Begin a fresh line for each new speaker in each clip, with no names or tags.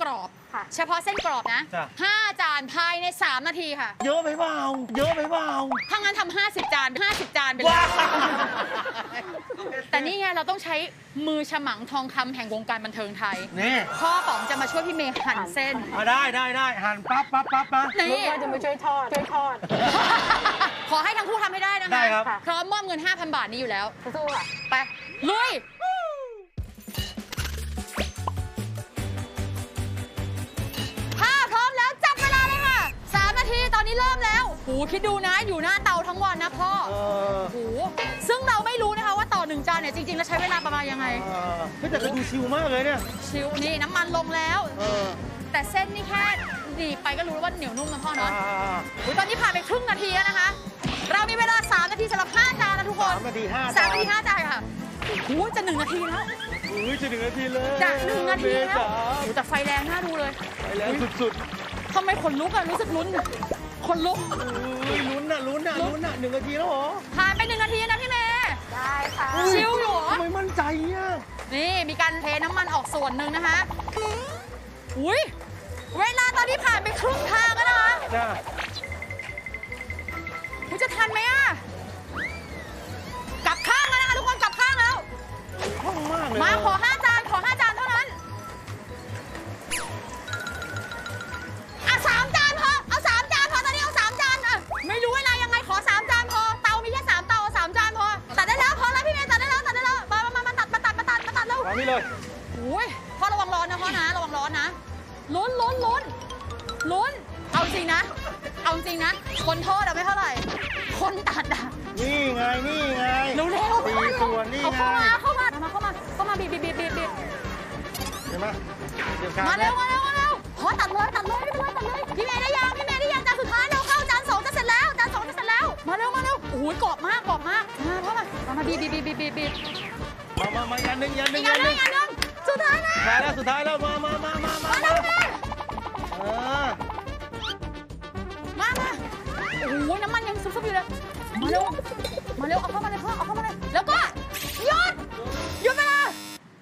อบเฉพาะเส้นกรอบนะ5 จานภายใน3 นาทีค่ะ
เยอะไปเปล่า
ถ้างั้นทำ50 จาน50 จานไปเลยแต่นี่ไงเราต้องใช้มือฉมังทองคำแห่งวงการบันเทิงไทย
นี่
พ่อป๋องจะมาช่วยพี่เมย์หั่นเส้น
ได้หั่นปั๊บ
นี่
ว่าจะมาช่วยทอด
ขอให้ทั้งคู่ทำให้ได้นะคะ
ได้ครับ
พร้อมมอบเงิน 5,000 บาทนี้อยู่แล้ว
สู้ค่ะ
ไปลุยพร้อมแล้วจับเวลาเลยค่ะ3 นาทีตอนนี้เริ่มแล้วโหคิดดูนะอยู่หน้าเตาทั้งวันนะพ่อโหซึ่งเราไม่รู้นะคะว่าต่อ1 จานเนี่ยจริงๆแล้วใช้เวลาประมาณยังไง
แต่ก็ดูชิลมากเลยเนี่ย
ชิลนี่น้ำมันลงแล้วแต่เส้นนี่แค่ดีไปก็รู้ว่าเหนียวนุ่มนะพ่อเนาะตอนนี้ผ่านไปครึ่งนาทีแล้วนะคะเรามีเวลา3 นาทีสำหรับ5 จานนะทุกคน
3 นาที 5
จานค่ะโอ้จะ1 นาทีแล้ว
จะ1 นาทีเลย
จะ1 นาทีแล้วแต่ไฟแรงน่าดูเลย
ไฟแรงสุด
ทำไมขนลุกอะรู้สึกลุ้นขนลุก
ลุ้น1 นาทีแล้วเหรอ
ผ่านไป1 นาทีนะพี่เมย์
ได้ค่ะ
ชิลอยู่
ทำไมมั่นใจอ่ะ
นี่มีการเทน้ำมันออกส่วนหนึ่งนะคะอุ้ยเวลาตอนนี้ผ่านไปครึ่งทางแล้วนะคะคุณจะทันไหมอะกลับข้างแล้วนะคะทุกคนกลับข้างแล้ว
คล่องมากเลย
มาขอ5 จานเท่านั้น3 จานพอเอา3 จานพอตอนนี้เอา3 จานไม่รู้เวลายังไงขอ3 จานพอเตามีแค่3 เตาเอา3 จานพอตัดได้แล้วพอแล้วพี่เมย์ตัดได้แล้วมาตัดแล้ว
วางนี่เลย
โอ้ยพ่อระวังร้อนนะพ่อนะระวังร้อนนะลุ้นเอาจริงนะคนทอดไม่เท่าไหร่คนตัด
นี่ไง
เร็ว
ตีส่วนนี่ไง
เข้ามาบีบ
เห็นไหม
มาเร็วพอตัดเลยไม่เป็นไรตัดเลยพี่เมย์ได้ยังจานสุดท้ายเราเข้าจาน2จะเสร็จแล้วมาเร็วโอ้ยกรอบมากมาพ่อมาบีบ
มายันหนึ่ง
สุดท้าย
แล้วมา
เร็วมาโอ้ยน้ำมันยังซุบๆอยู่เลยมาเร็วเอาเข้ามาเลยพ่อเอาเข้ามาเลยแล้วก็หยุดเวลา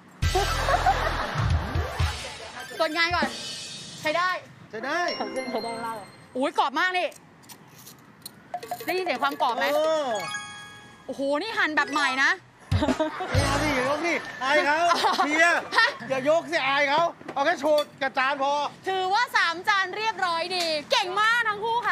ตรวจงานก่อนใช้ได้
เส้นใช้ได้มากเลย
อุ้ยกรอบมากนี่ได้ยินเสียงความกรอบไหมโอ้โหนี่หั่นแบบใหม่นะ
ยกนี่อายเขาเชียร์อย่ายกสิอายเขาเอาแค่โชว์กระจานพอ
ถือว่า3 จานเรียบร้อยดีเก่งมากทั้งคู่ค่ะ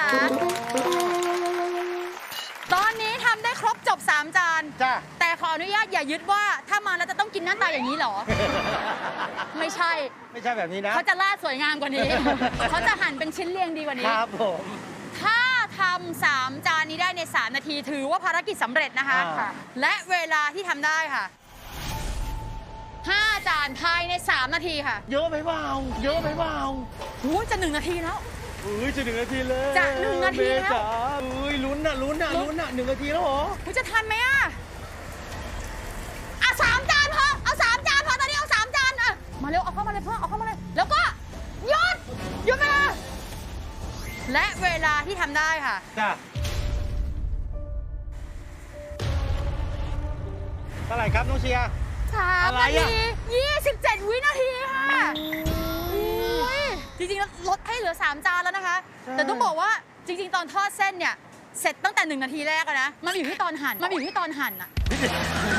ตอนนี้ทำได้ครบจบ3 จาน
จ้ะ
แต่ขออนุญาตอย่ายึดว่าถ้ามาแล้วจะต้องกินหน้าตาอย่างนี้หรอไม่ใช่
แบบนี้นะ
เขาจะลาดสวยงามกว่านี้เขาจะหั่นเป็นชิ้นเรียงดีกว่านี้
ครับผม
ถ้าทำ3 จานนี้ได้ใน3 นาทีถือว่าภารกิจสำเร็จนะคะและเวลาที่ทำได้ค่ะ5 จานภายใน3 นาทีค่ะ
เยอะไปเปล่า
โอ้จะ1 นาทีแล้ว
จะ1 นาทีเลย
จะ1 นาทีแล้ว
ลุ้น1 นาทีแล้วเหรอ
คุณจะทันไหม3 จานพอเอา3 จานพอตอนนี้เอา3 จานมาเร็วเอาเข้ามาเลยพ่อเอาเข้ามาเลยแล้วก็หยุดเวลาและเวลาที่ทำได้ค่ะ
จ้ะเท่าไหร่ครับน้องเชียร์
3 นาที27 วินาทีค่ะจริงๆแล้วลดให้เหลือ3 จานแล้วนะคะแต่ต้องบอกว่าจริงๆตอนทอดเส้นเนี่ยเสร็จตั้งแต่1 นาทีแรกนะมันอยู่ที่ตอนหั่นอะ